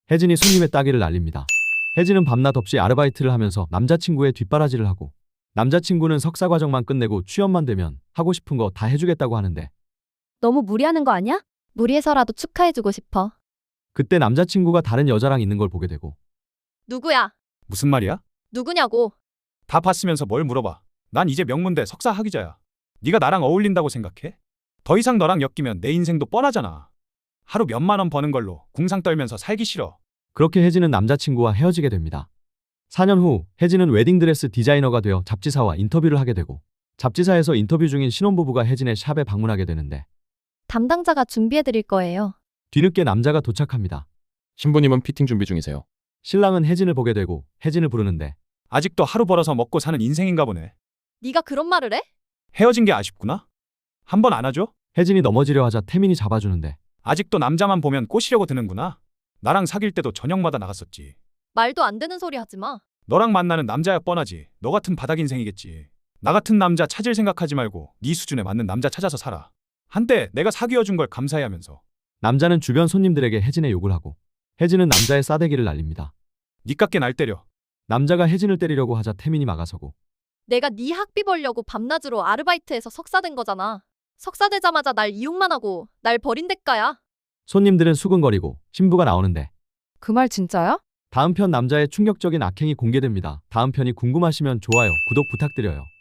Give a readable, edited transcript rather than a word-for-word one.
혜진이 손님의 따귀를 날립니다. 혜진은 밤낮 없이 아르바이트를 하면서 남자친구의 뒷바라지를 하고 남자친구는 석사 과정만 끝내고 취업만 되면 하고 싶은 거 다 해주겠다고 하는데 너무 무리하는 거 아니야? 무리해서라도 축하해주고 싶어. 그때 남자친구가 다른 여자랑 있는 걸 보게 되고 누구야? 무슨 말이야? 누구냐고. 다 봤으면서 뭘 물어봐. 난 이제 명문대 석사 학위자야. 네가 나랑 어울린다고 생각해? 더 이상 너랑 엮이면 내 인생도 뻔하잖아. 하루 몇만 원 버는 걸로 궁상 떨면서 살기 싫어. 그렇게 혜진은 남자친구와 헤어지게 됩니다. 4년 후 혜진은 웨딩드레스 디자이너가 되어 잡지사와 인터뷰를 하게 되고 잡지사에서 인터뷰 중인 신혼부부가 혜진의 샵에 방문하게 되는데 담당자가 준비해드릴 거예요. 뒤늦게 남자가 도착합니다. 신부님은 피팅 준비 중이세요. 신랑은 혜진을 보게 되고 혜진을 부르는데 아직도 하루 벌어서 먹고 사는 인생인가 보네. 네가 그런 말을 해? 헤어진 게 아쉽구나? 한 번 안아줘? 혜진이 넘어지려 하자 태민이 잡아주는데 아직도 남자만 보면 꼬시려고 드는구나. 나랑 사귈 때도 저녁마다 나갔었지. 말도 안 되는 소리 하지 마. 너랑 만나는 남자야 뻔하지. 너 같은 바닥 인생이겠지. 나 같은 남자 찾을 생각하지 말고 네 수준에 맞는 남자 찾아서 살아. 한때 내가 사귀어준 걸 감사해하면서. 남자는 주변 손님들에게 혜진의 욕을 하고 혜진은 남자의 싸대기를 날립니다. 니깎게 날 때려. 남자가 혜진을 때리려고 하자 태민이 막아서고 내가 네 학비 벌려고 밤낮으로 아르바이트해서 석사 된 거잖아. 석사 되자마자 날 이용만 하고 날 버린 대가야. 손님들은 수근거리고 신부가 나오는데 그 말 진짜야? 다음 편 남자의 충격적인 악행이 공개됩니다. 다음 편이 궁금하시면 좋아요, 구독 부탁드려요.